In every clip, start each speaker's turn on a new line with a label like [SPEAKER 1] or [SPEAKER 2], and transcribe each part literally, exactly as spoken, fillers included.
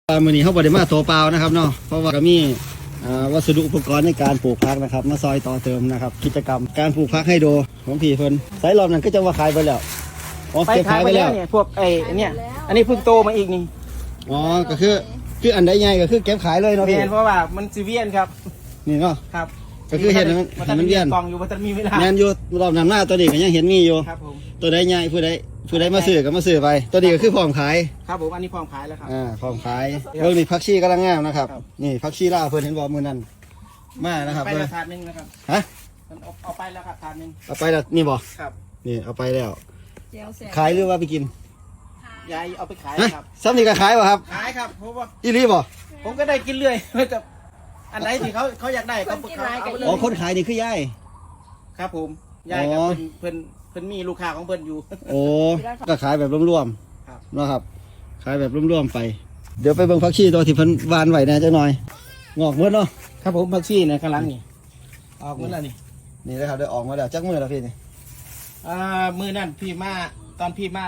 [SPEAKER 1] มือนี้เขาบริมาตัวเปล่านะครับเนาะเพราะว่าก็มีวัสดุอุปกรณ์ในการปลูกพักนะครับมาซอยต่อเติมนะครับกิจกรรมการปลูกพักให้ดูของพี่เพิ่นไซรอบนั้นก็จะว่าขายไปแล้วอ๋อ
[SPEAKER 2] ไป
[SPEAKER 1] เก็บ
[SPEAKER 2] ขา
[SPEAKER 1] ขาย ย
[SPEAKER 2] ไป
[SPEAKER 1] ไป
[SPEAKER 2] แล้
[SPEAKER 1] แล้ว ว
[SPEAKER 2] เนี่ยพวกไอ้เนี่ยอันนี้เพิ่งโตมาอีกนี่
[SPEAKER 1] อ๋อก็คือคืออันใดใหญ่ก็คือเก็บขายเลยเนาะ
[SPEAKER 2] เวี
[SPEAKER 1] พี่
[SPEAKER 2] ยนเพราะว่ามันซีเวียนครับ
[SPEAKER 1] นี่เนาะ
[SPEAKER 2] ครับ
[SPEAKER 1] ก็คือเห็นมัน
[SPEAKER 2] มัน
[SPEAKER 1] เห็นมันเวียน
[SPEAKER 2] กล่องอยู่มันจะมีเวลา
[SPEAKER 1] แมนอยู่รอบนำหน้าตัวนี้ก็ยังเห็นมีอยู่
[SPEAKER 2] ครับผม
[SPEAKER 1] ตัวใดใหญ่ผู้ใดผู้ใดมาซื้อก็มาซื้อไปตัวนี้ก็คือพร้อมขาย
[SPEAKER 2] ครับผมอันนี้พร้อมขายแล้วครับ
[SPEAKER 1] อ่าพร้อมขายเรื่องนี้พักชีกำลังงามนะครับ
[SPEAKER 2] ครับ
[SPEAKER 1] นี่พักชีล่าเพิ่นเห็นบอกมือนั้นมานะครับ
[SPEAKER 2] ไป
[SPEAKER 1] เพิ่น
[SPEAKER 2] ละถาดหนึงนะครับ
[SPEAKER 1] ฮะ
[SPEAKER 2] มันเอาเอาไปแล้วครับถาดหนึง
[SPEAKER 1] เอาไปแล้วนี่บ่
[SPEAKER 2] ครับ
[SPEAKER 1] นี่เอาไปแล้ว
[SPEAKER 3] เจียวแสบ
[SPEAKER 1] ขายหรือว่าไปกิน
[SPEAKER 2] ยายเอาไปขาย
[SPEAKER 1] ฮะ
[SPEAKER 2] ครับ
[SPEAKER 1] ซ้ำนี่ก็ขายป่ะครับ
[SPEAKER 2] ขายครับเพราะว่า
[SPEAKER 1] อีรีบ่
[SPEAKER 2] ผมก็ได้กินเรื่อย กับอันไหนที่เขาเขาอยากได้เขาเขาเอาไปเล
[SPEAKER 1] อ๋อย คนขายนี่คือย่าย
[SPEAKER 2] ครับผมยายกับ
[SPEAKER 1] อ๋อ
[SPEAKER 2] เพิ่นเพิ่นเพิ่นมีลูกค้าของเพิ่นอยู่
[SPEAKER 1] โอ้ก็ขายแบบรวม
[SPEAKER 2] ครับ
[SPEAKER 1] ๆเนาะครับ ขายแบบรวมๆไป เดี๋ยวไปเบิ่งพักชีตัวที่เพิ่นวานไว้แหน่จักหน่อยงอกหมดเนาะ
[SPEAKER 2] ครับผมผักชีในข้างหลังนี่ออกหมดแล้วนี่
[SPEAKER 1] นี่นะครับได้ออกมาแล้วจักมื้อแล้วพี่นี่
[SPEAKER 2] อ่ามือนั่นพี่มาตอนพี่มา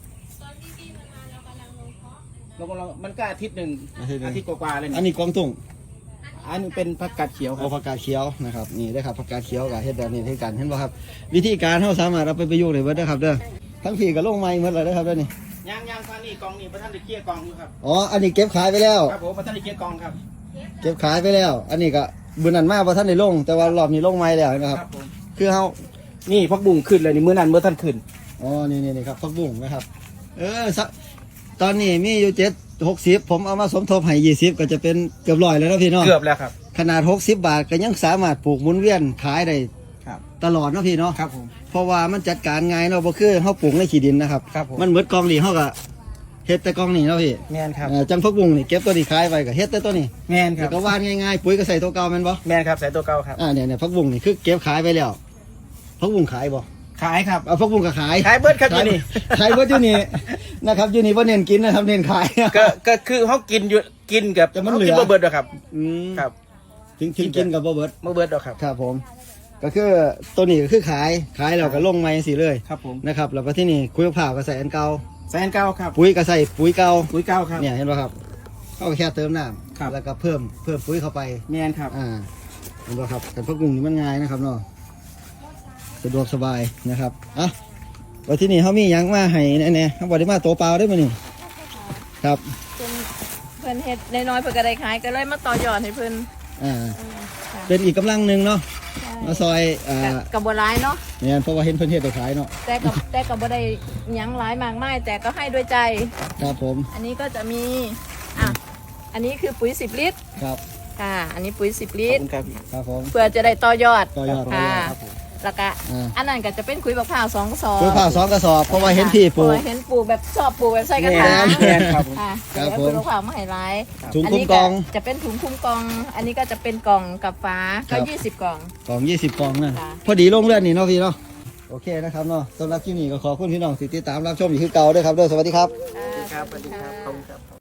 [SPEAKER 2] ลงลงมันก็อาทิตย์หนึ่งอาทิตย์กว่าๆเลย
[SPEAKER 1] อัน
[SPEAKER 2] นี่
[SPEAKER 1] นี้กวางตุ้ง
[SPEAKER 2] อันนี้เป็นผักกาดเขียวค
[SPEAKER 1] เอา
[SPEAKER 2] รับ
[SPEAKER 1] ผักกาดเขียวนะครับนี่ได้อครับผักกาดเขียวกับเฮ็ดแบบนี้ให้กันเห็นบ่ครับ วิธีการเฮาสามารถเอาไปประยุกต์ได้เบิดเด้อครับเด้อทั้งพี่ก็ลงไม้หมดเลยเด้อครับเด้อนี่
[SPEAKER 2] ย่างย่างฟันนี่กองนี่พระท่านได้เคลียร์กองอยู่ครับ
[SPEAKER 1] อ๋ออันนี้เก็บขายไปแล้ว
[SPEAKER 2] ครับผมพระท่านได้เคลียร์กองครับ
[SPEAKER 1] เก็บขายไปแล้ว อันนี้ก็บุญนันมาบ่ทันได้ลง แต่ว่ารอบนี้ลงไม้แล้วนะครับ
[SPEAKER 2] ผม
[SPEAKER 1] คือเฮา
[SPEAKER 2] นี่พักบุ้งขึ้นเลยนี่มือนั่นเมื่อท่านขึ้น
[SPEAKER 1] อ๋อ นี่นี่นี่ครับผักบุ้งนะครับ เออสักตอนนี้มีอยู่เจ็ดหกสิบผมเอามาสมทบให้ยี่สิบก็จะเป็นเกือบร้อยแล้วนะพี่เนาะ
[SPEAKER 2] เกือบแล้วครับ
[SPEAKER 1] ขนาดหกสิบบาทก็ยังสามารถปลูกหมุนเวียนขายได้
[SPEAKER 2] ครับ
[SPEAKER 1] ตลอดเนาะพี่เนาะ
[SPEAKER 2] ครับผม
[SPEAKER 1] เพราะว่ามันจัดการง่ายเนาะบ่คือเฮาปลูกในขี้ดินนะครับ
[SPEAKER 2] ครับผม
[SPEAKER 1] มันเหมือนกองนี่เฮาก็เฮ็ดแต่กองนี่เนาะพี่
[SPEAKER 2] แมนครับ
[SPEAKER 1] เอ่อจังผักบุ้งนี่เก็บตัวนี้ขายไปก็เฮ็ดแต่ตัวนี้
[SPEAKER 2] แมนค
[SPEAKER 1] แล้
[SPEAKER 2] รั
[SPEAKER 1] ว
[SPEAKER 2] บ
[SPEAKER 1] ก็วานง่ายๆปุ๋ยก็ใส่ตัวเก่าแม่นบ่
[SPEAKER 2] แมนครับใส่ตัวเก่าครับ
[SPEAKER 1] อ่าเนี่ยเนี่ยผักบุ้งนี่คือเก็บขายไปแล้วผักบุ้งขายบ่
[SPEAKER 2] ขายครับ
[SPEAKER 1] เอาผักบุ้งก็ขาย
[SPEAKER 2] ขายเบิร์ดครับ
[SPEAKER 1] ขา
[SPEAKER 2] ที่
[SPEAKER 1] ย
[SPEAKER 2] นี่
[SPEAKER 1] ขายเบิดอยู่นี่นะครับอยู่นี่บ่เน้นกินนะครับเน้นขาย
[SPEAKER 2] ก็ก็คือเขากินอยู่กินกับ
[SPEAKER 1] แต่มัน
[SPEAKER 2] เขา
[SPEAKER 1] เหลื
[SPEAKER 2] กิ
[SPEAKER 1] อ
[SPEAKER 2] นบ่เบิร์ดหรอกครับ
[SPEAKER 1] อืม
[SPEAKER 2] ครับ
[SPEAKER 1] ถึงถึงกินกับบ่เบิด
[SPEAKER 2] บ่เบิร์ดหรอกครับ
[SPEAKER 1] ครับผม ก็คือตัวนี้ก็คือขายขายแล้วก็ลงไม้สิเลย
[SPEAKER 2] ครับผม
[SPEAKER 1] นะครับแล้วก็ที่นี่คุยผ่าก็ใส่อันเก่า
[SPEAKER 2] ใส่อันเก่าครับ
[SPEAKER 1] ปุ๋ยก็ใส่ปุ๋ยเก่า
[SPEAKER 2] ปุ๋ยเก่าครับ
[SPEAKER 1] เนี่ยเห็นป่ะครับเขาก็แค่เติมน้
[SPEAKER 2] ครับ
[SPEAKER 1] ำแล้วก็เพิ่มเพิ่มปุ๋ยเข้าไป
[SPEAKER 2] แมนครับ
[SPEAKER 1] อ่าเห็นป่ะครับแต่พวกกลุ่มนี้มันง่ายนะครับเนาะสะดวกสบายนะครับอ่ะแล้วที่นี่เขามีหยังมาให้แน่ๆเขาบอกได้มาตัวเปล่าได้มานี่ครับ
[SPEAKER 3] เพิ่นเพิ่นเฮ็ดน้อยๆเพิ่นก็ได้ขายก็เลยมาต่อยอดให้เพิ่น
[SPEAKER 1] อ่า
[SPEAKER 3] เออค่ะ
[SPEAKER 1] เป็นอีกกำลังหนึ่งเนาะ
[SPEAKER 3] ใช่
[SPEAKER 1] มาซอยอ่า
[SPEAKER 3] ก็ก็บ่ร้ายเนาะ
[SPEAKER 1] เนี่ยเพราะว่าเห็นเพิ่นเฮ็ดไปขายเนาะ
[SPEAKER 3] แต่ก็แต่ก็บ่ได้หยังหลายมากมายแต่ก็ให้ด้วยใจ
[SPEAKER 1] ครับผม
[SPEAKER 3] อันนี้ก็จะมีอ่ะอันนี้คือปุ๋ยสิบลิตร
[SPEAKER 1] ครับ
[SPEAKER 3] ค่ะ อันนี้ปุ๋ยสิบลิ
[SPEAKER 2] ขอบ
[SPEAKER 3] ตร
[SPEAKER 2] คุณครับ
[SPEAKER 1] ครับผม
[SPEAKER 3] เพื่อจะได้ต่อยอด
[SPEAKER 1] ต่อยอด
[SPEAKER 3] ค่ะ
[SPEAKER 2] ครับผม
[SPEAKER 3] แล้วก็
[SPEAKER 1] อ่า
[SPEAKER 3] อันนั้นก็จะเป็นคุยบักพร้าวสองกระสอบ
[SPEAKER 1] ปุ๋ยผ่าสองกระสอบเพราะว่าเห็นพี่ปลูก
[SPEAKER 3] เพราะว่าเห็นปลูกแบบชอบปลูกแบบใส่กระถาง
[SPEAKER 2] แมนครับผม
[SPEAKER 3] ค่ะ
[SPEAKER 1] ครับ
[SPEAKER 3] แล้ว
[SPEAKER 1] ผม
[SPEAKER 3] คุยบักพร้าวมาให้ร้าย
[SPEAKER 1] ถุงคุ้มกอง
[SPEAKER 3] จะเป็นถุงคุ้มกอง อันนี้ก็จะเป็นกล่องกับฟ้า
[SPEAKER 1] ครั
[SPEAKER 3] ก็
[SPEAKER 1] บ
[SPEAKER 3] ยี่สิบกล่อง
[SPEAKER 1] กล่องยี่สิบกล่องนะ
[SPEAKER 3] ค่ะ
[SPEAKER 1] พอดีลงเลือดนี่เนาะพี่เนาะโอเคนะครับเนาะสำหรับคลิปนี้ก็ขอบคุณพี่น้องที่ติดตามรับชมอยู่คือเก่าด้วยครับเด้อสวัสดีครับ
[SPEAKER 2] ครับสวัสดีครับขอบคุณครับ